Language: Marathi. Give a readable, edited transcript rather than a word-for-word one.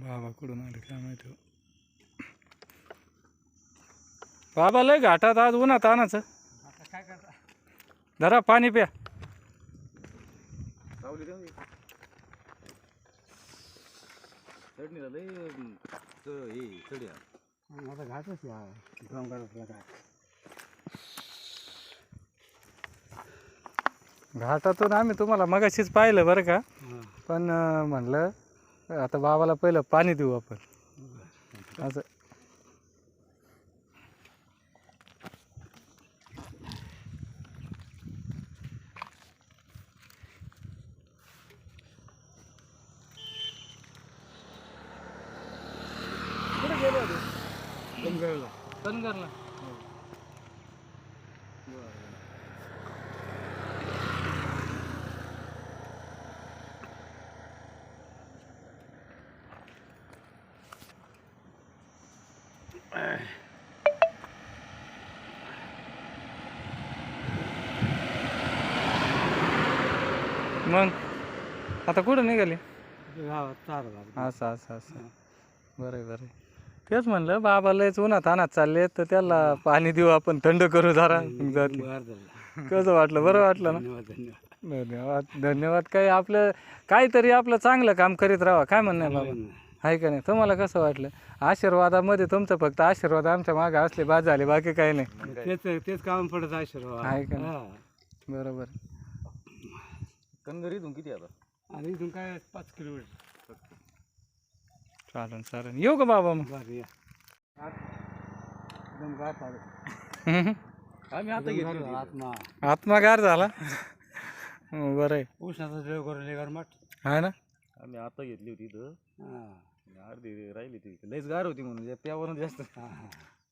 बाबा कुठून आले काय माहिती. बाबा लय घाटात आज उन्हात आणायचं. काय करता धरा पाणी प्या. चढणीला लय हे चढ्या माझा घाटच या डोंगरातला काय घाटातून आम्ही तुम्हाला मगाशीच पाहिलं बरं का. पण म्हणलं आता बाबाला पहिलं पाणी देऊ आपण असं. कुठे गेले होते? डोंगराला कनगरला. मग आता कुठं निघाले? गावात चार असं असं असं. बरं बरं. तेच म्हणलं बाबा लयच उन्हात आणत चालले तर त्याला पाणी देऊ आपण, थंड करू जरा. कसं वाटलं? बरं वाटलं ना? धन्यवाद धन्यवाद धन्यवाद. काही आपलं काहीतरी आपलं चांगलं काम करीत राहा. काय म्हणणं आहे बाबा? आहे का नाही? तुम्हाला कसं वाटलं? आशीर्वादामध्ये तुमचं फक्त आशीर्वाद आमच्या मागे असले बाद झाले, बाकी काही नाही. तेच काम पडत आशीर्वाद आहे का नाही? बरोबर. कणगर इथून किती आता? आणि इथून काय 5 किलोमीटर. चालेल चालेल. येऊ का बाबा मग? बरं या एकदम गाठ आलं. आम्ही आता घेतली आत्मा आत्मागार झाला. बरं आहे. उष्णाचा जळ करून गरमाट आहे ना? आम्ही आता घेतली होती इथं. अर्धी राहिली ती लयच गार होती म्हणून त्यावरून जास्त